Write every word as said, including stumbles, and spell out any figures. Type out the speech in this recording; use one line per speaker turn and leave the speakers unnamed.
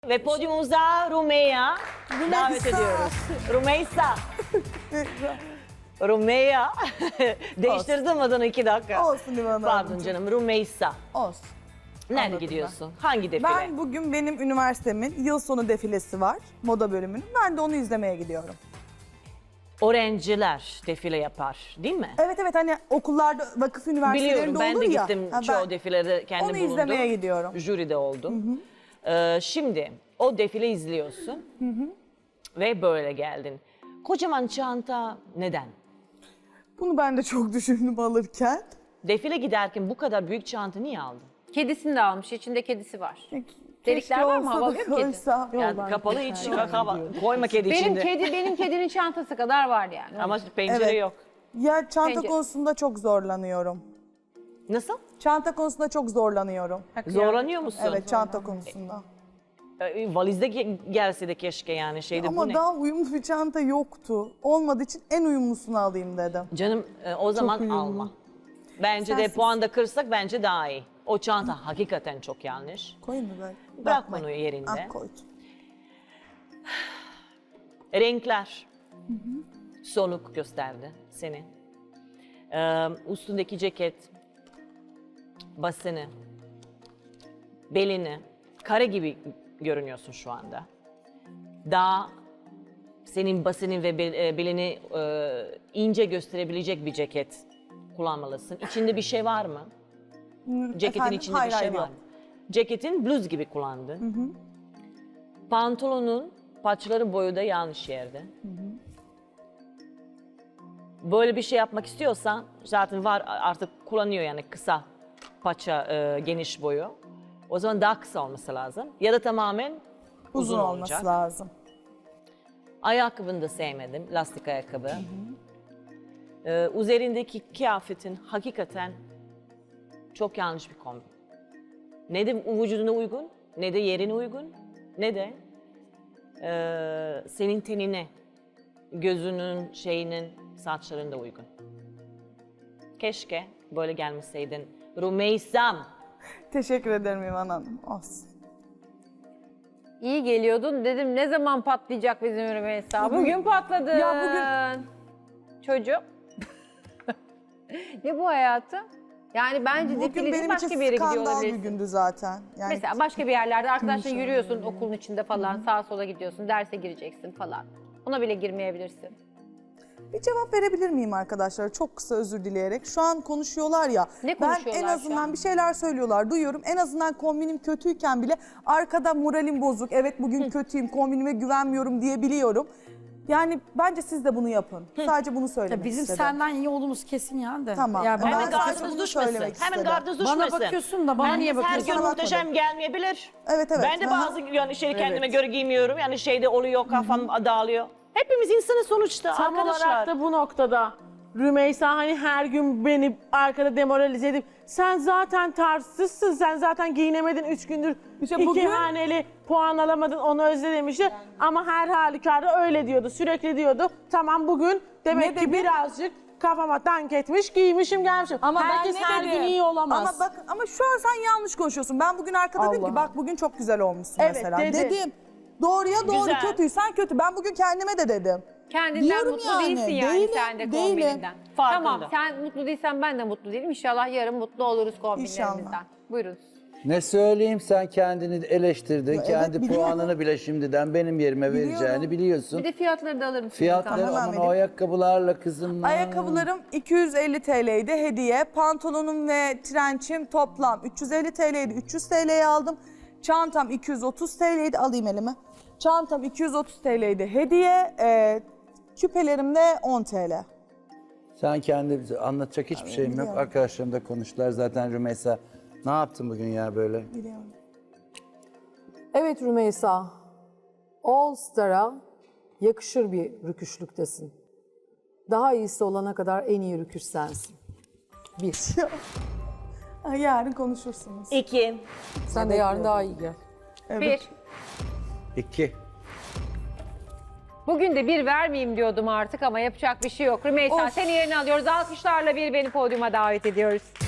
Ve podyumumuza Rumeya davet ediyoruz. Rumeysa. Rumeya. Değiştirdim adını iki dakika.
Olsun Divan Hanım.
Pardon canım, Rumeysa.
Olsun.
Nerede
Anladım
gidiyorsun? Hangi defile?
Ben bugün benim üniversitemin yıl sonu defilesi var. Moda bölümünün. Ben de onu izlemeye gidiyorum.
Öğrenciler defile yapar, değil mi?
Evet evet hani okullarda, vakıf üniversitelerinde
Biliyorum, ben
olur
de
ya.
gittim
Ha,
çoğu
ben
defilede kendim
onu
bulundum.
izlemeye gidiyorum.
Jüride oldum. Ee, şimdi o defile izliyorsun ve böyle geldin. Kocaman çanta neden?
Bunu ben de çok düşündüm alırken.
Defile giderken bu kadar büyük çanta niye aldın?
Kedisini de almış. İçinde kedisi var.
Keşke
Delikler var mı?
olsa da
Havalıyor mu kedi?
koysa.
Yani kapalı hiç kaka koyma kedi
Benim
içinde.
kedi benim kedinin çantası kadar var yani.
Ama pencere
Evet.
yok.
Ya çanta
Bence-
konusunda çok zorlanıyorum.
Nasıl?
Çanta konusunda çok zorlanıyorum.
Zorlanıyor musun?
Evet çanta konusunda.
Ee, Valizde ge- gelse de keşke yani şeyde bu
Ama
ne?
daha uyumlu bir çanta yoktu. Olmadığı için en uyumlusunu alayım dedim.
Canım e, o zaman
uyumlu.
alma. Bence de
Sensiz.
puan da kırsak bence daha iyi. O çanta hakikaten çok yanlış.
Koyayım mı böyle?
Bırak
Bakmayın.
onu yerinde.
Ah koydum.
Renkler. Soluk gösterdi seni. Ee, üstündeki ceket, basını, belini, kare gibi görünüyorsun şu anda. Daha senin basını ve bel- e, belini e, ince gösterebilecek bir ceket kullanmalısın. İçinde bir şey var mı? Ceketin
Efendim?
içinde
Hayır,
bir şey
hayır,
var
yok.
mı? Ceketin bluz gibi kullandın. Pantolonun paçaları boyu da yanlış yerde. Böyle bir şey yapmak istiyorsan zaten var artık kullanıyor yani kısa paça e, geniş boyu. O zaman daha kısa olması lazım. Ya da tamamen uzun,
Uzun olması
olacak.
lazım.
Ayakkabını da sevmedim. Lastik ayakkabı. Ee, üzerindeki kıyafetin hakikaten çok yanlış bir kombin. Ne de vücuduna uygun, ne de yerine uygun, ne de e, senin tenine, gözünün, şeyinin, saçlarında uygun. Keşke böyle gelmeseydin. Rumeysam.
Teşekkür ederim İvan Hanım. Olsun.
İyi geliyordun. Dedim ne zaman patlayacak bizim Rümeysa? Bugün patladı.
Ya bugün-
Çocuğum. Ne bu hayatı? Yani bence
Bugün
defile değil
benim
başka
için
bir yere gidiyor
skandal bir
olabilirsin.
gündü zaten. Yani
Mesela başka bir yerlerde arkadaşla
Konuşalım
yürüyorsun
böyle.
okulun içinde falan sağa sola gidiyorsun derse gireceksin falan. Ona bile girmeyebilirsin.
bir cevap verebilir miyim arkadaşlar? Çok kısa özür dileyerek. Şu an konuşuyorlar ya.
Ne
ben
konuşuyorlar
en
şu
azından
an?
bir şeyler söylüyorlar. Duyuyorum. En azından kombinim kötüyken bile arkada moralim bozuk. Evet bugün kötüyüm. Kombinime güvenmiyorum diyebiliyorum. Yani bence siz de bunu yapın. Sadece bunu söylemek
Ya bizim
istedim.
senden iyi olduğumuz kesin yani de.
Tamam.
Ya
Ben
Hemen
sadece
gardınız
bunu
düşmesin.
söylemek
Hemen
istedim.
gardınız düşmesin.
Bana bakıyorsun da bana niye
Herkes her
bakıyorsun?
gün
Bakmadım.
muhteşem gelmeyebilir.
Evet evet.
Ben de
Aha.
bazı yani şey kendime göre giymiyorum. Yani şeyde oluyor kafam dağılıyor. Hepimiz insanı sonuçta
Tam
arkadaşlar.
olarak da bu noktada Rümeysa hani her gün beni arkada demoralize edip sen zaten tarzsızsın, sen zaten giyinemedin üç gündür
İşte
iki
bugün-
haneli puan alamadın onu özle demişti. Ama her halükarda öyle diyordu, sürekli diyordu. Tamam bugün demek
Ne
ki
dedi?
birazcık kafama dank etmiş, giymişim gelmişim.
Ama ben
Herkes
ne
her
dedim?
gün iyi olamaz.
Ama bak ama şu an sen yanlış konuşuyorsun. Ben bugün arkada dedim ki
Allah.
bak bugün çok güzel olmuşsun
Evet,
mesela.
dedi.
Dedim. Doğruya doğru,
Güzel.
kötüysen kötü. Ben bugün kendime de dedim.
Kendinden
Diyorum
mutlu
yani,
değilsin yani
değilim,
sen de
değilim.
kombininden.
Farkında.
Tamam sen mutlu değilsen ben de mutlu değilim. İnşallah yarın mutlu oluruz kombinlerimizden.
İnşallah.
Buyurun.
Ne söyleyeyim sen kendini eleştirdin.
Ya
Kendi
evet, biliyorum.
puanını bile şimdiden benim yerime
Biliyorum.
vereceğini biliyorsun.
Bir de fiyatları da alır mısın?
Fiyatları
Tamam,
aman
vereyim.
o ayakkabılarla kızım.
Ayakkabılarım iki yüz elli T L'ydi hediye. Pantolonum ve trençim toplam üç yüz elli T L'ydi. üç yüz T L'ye aldım. Çantam iki yüz otuz T L'ydi. Alayım elime. Çantam iki yüz otuz T L'ydi hediye. Ee, küpelerim de on T L.
Sen kendi anlatacak hiçbir şeyim yok.
biliyorum.
Arkadaşlarım da konuştular zaten Rümeysa. Ne yaptın bugün ya böyle?
Biliyorum.
Evet Rümeysa, All Star'a yakışır bir rüküşlüktesin. Daha iyisi olana kadar en iyi rüküş sensin. Bir.
Ha, yarın konuşursunuz.
İki.
Sen de yarın daha iyi gel.
Bir.
İki.
Bugün de bir vermeyeyim diyordum artık ama yapacak bir şey yok. Rümeysa
Of.
seni yerine alıyoruz. Alkışlarla bir beni podyuma davet ediyoruz.